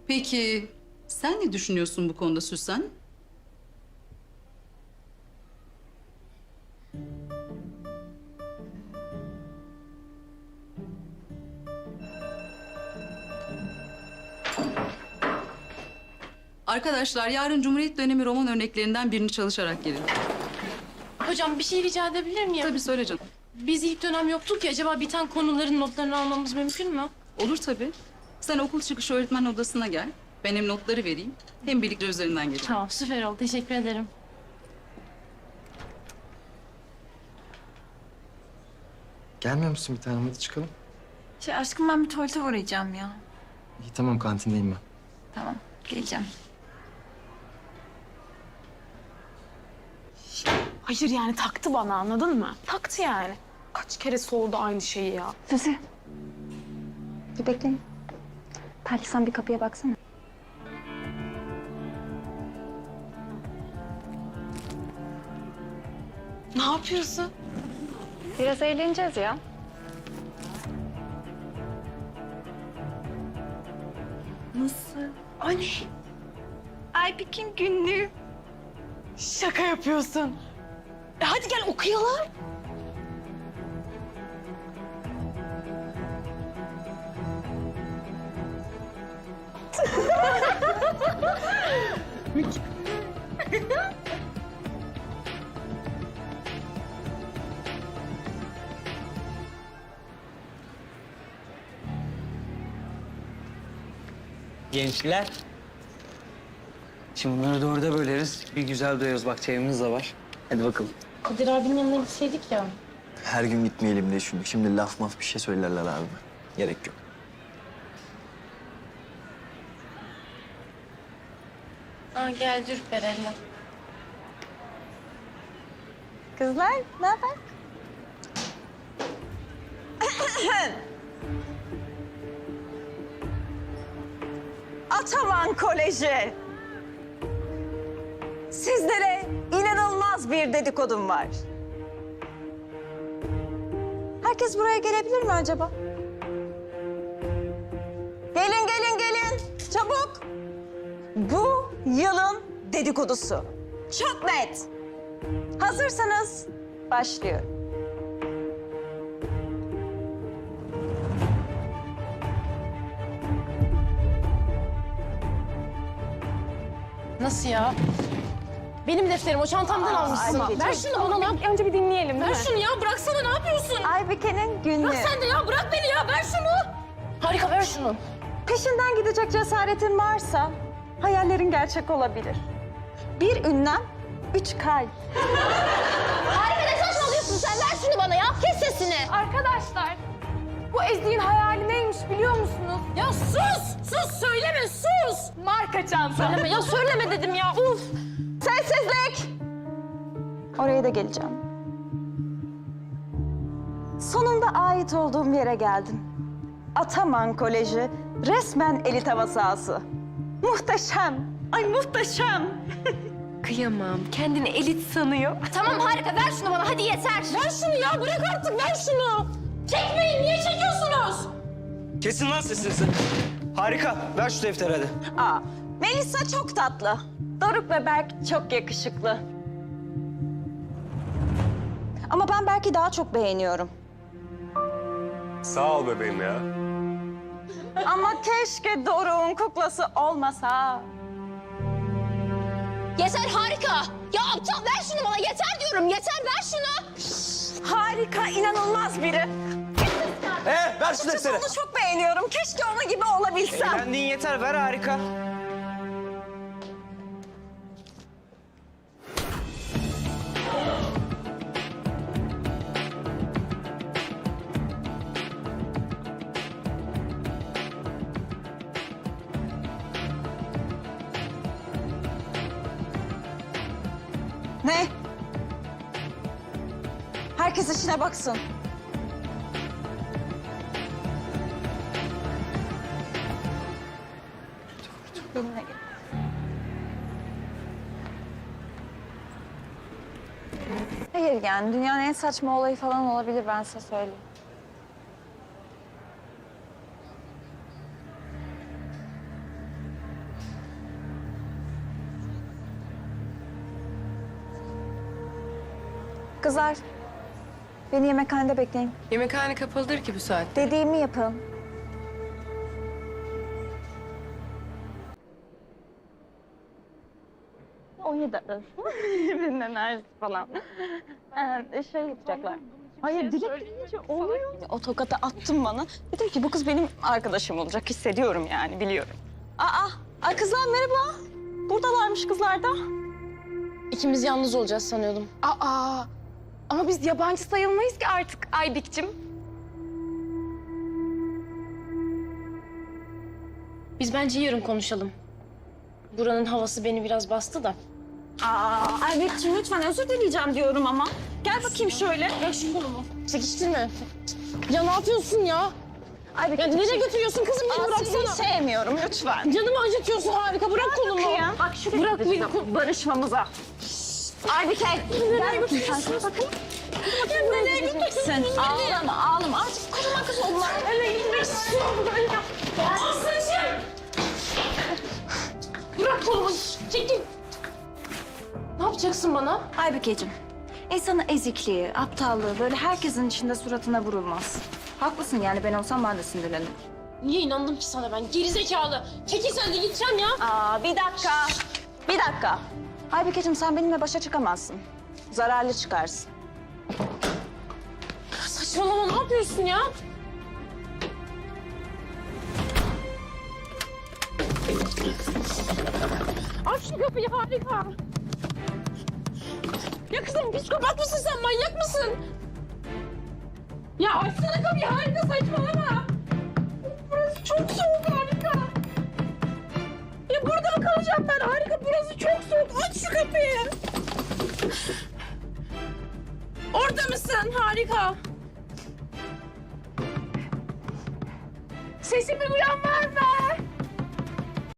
Peki sen ne düşünüyorsun bu konuda Süsen? Arkadaşlar yarın Cumhuriyet dönemi roman örneklerinden birini çalışarak gelin. Hocam bir şey rica edebilir miyim? Tabii söyle canım. Biz ilk dönem yoktuk ya, acaba biten konuların notlarını almamız mümkün mü? Olur tabii. Sen okul çıkışı öğretmen odasına gel. Ben hem notları vereyim hem birlikte üzerinden geçelim. Tamam, süper oldu. Teşekkür ederim. Gelmiyor musun bir tanem? Hadi çıkalım. Aşkım ben bir tuvalete uğrayacağım ya. İyi tamam kantindeyim ben. Tamam, geleceğim. Hayır yani taktı bana, anladın mı? Taktı yani. Kaç kere sordu aynı şeyi ya. Suzi. Bir bekleyin. Belki sen bir kapıya baksana. Ne yapıyorsun? Biraz eğleneceğiz ya. Nasıl? Anne, Aybik'in günlüğü. şaka yapıyorsun. Hadi gel okuyalım. Gençler. Şimdi bunları da orada böleriz. Bir güzel doyarız. Bak çayımız da var. Hadi bakalım. Kadir abinin yanına gitseydik ya. Her gün gitmeyelim diye düşündük. Şimdi laf maf bir şey söylerler abi. Gerek yok. Aa, gel Ürper'le. Kızlar, ne haber? Ataman Koleji. Sizlere inanılmaz bir dedikodum var. Herkes buraya gelebilir mi acaba? Gelin, gelin, gelin. Çabuk. Bu yılın dedikodusu. Çok net. Hazırsanız başlıyorum. Nasıl ya? Benim defterim, o çantamdan almışsın. Aybike, Ver şunu bana lan. Önce bir dinleyelim değil Ver mi? şunu ya, bıraksana, ne yapıyorsun? Aybike'nin günlüğü. Bırak sen de ya, bırak beni ya, ver şunu. Harika, ver şunu. Peşinden gidecek cesaretin varsa hayallerin gerçek olabilir. Bir ünlem, 3 kalp. Harika, ne saçmalıyorsun sen? Ver şunu bana ya, kes sesini. Arkadaşlar, bu Ezgi'nin hayali neymiş biliyor musunuz? Ya sus, sus, söyleme, sus. Marka çanta. Söyleme ya, söyleme dedim ya, uf. Sessizlik! Oraya da geleceğim. Sonunda ait olduğum yere geldim. Ataman Koleji resmen elit hava sahası. Muhteşem! Ay muhteşem! Kıyamam, kendini elit sanıyor. Tamam harika, ver şunu bana, hadi yeter. Ver şunu ya, bırak artık, ver şunu. Çekmeyin, niye çekiyorsunuz? Kesin lan sesinizi. Harika. Ver şu defteri hadi. Aa, Melisa çok tatlı. Doruk ve Berk çok yakışıklı. Ama ben Berk'i daha çok beğeniyorum. Sağ ol bebeğim ya. Ama keşke Doruk'un kuklası olmasa. Yeter, harika. Ya aptal, ver şunu bana, yeter diyorum, yeter, ver şunu. Harika, inanılmaz biri. Ver şu defteri. Onu çok beğeniyorum. Keşke onun gibi olabilsem. Eğlendiğin yeter. Ver harika. Ne? Herkes işine baksın. Benimle gel. Hayır yani dünyanın en saçma olayı falan olabilir, ben size söyleyeyim. Kızlar, beni yemekhanede bekleyin. Yemekhane kapalıdır ki bu saat. Dediğimi yapın. Oynayacaklar. Birinin enerjisi falan. Şey yapacaklar. Hayır, direkt deyince oluyor. O tokatı attın bana. Dedim ki bu kız benim arkadaşım olacak. Hissediyorum yani, biliyorum. Ay kızlar merhaba. Buradalarmış kızlar da. İkimiz yalnız olacağız sanıyordum. Ama biz yabancı sayılmayız ki artık Aybik'cim. Biz bence yarın konuşalım. Buranın havası beni biraz bastı da. Aybek'ciğim lütfen özür dileyeceğim diyorum ama. Gel bakayım şöyle. Ya şu kolumu. Çekiştirme. Ya ne yapıyorsun ya? Aybek, Ya nereye götürüyorsun kızım? Beni Sizi bıraksana. sevmiyorum lütfen. Canımı acıtıyorsun harika. Bırak kolumu. Kıyam. Bak şuraya Bırak beni. barışmamıza. Aybike. Nereye götürüyorsun? Bakın. Nereye götürüyorsun? Ağlama ağlama. Artık koruma kız onlar. Nereye gitmek istiyorum ben ya? Aslıcığım. Bırak kolumu. Çekil. Ne yapacaksın bana? Aybükeciğim. İnsanın ezikliği, aptallığı böyle herkesin içinde suratına vurulmaz. Haklısın yani ben olsam ben de sinirlenirim. Niye inandım ki sana ben? Gerizekalı. Çekil sen de gideceğim ya. Bir dakika. Bir dakika. Aybükeciğim sen benimle başa çıkamazsın. Zararlı çıkarsın. Saçmalama ne yapıyorsun ya? Aç şu kapıyı harika. Ya kızım psikopat mısın sen? Manyak mısın? Ya açsana kapıyı harika saçmalama. Burası çok soğuk harika. Ya burada mı kalacağım ben harika? Burası çok soğuk. Aç şu kapıyı. Orada mısın harika? Sesimi duyan var mı?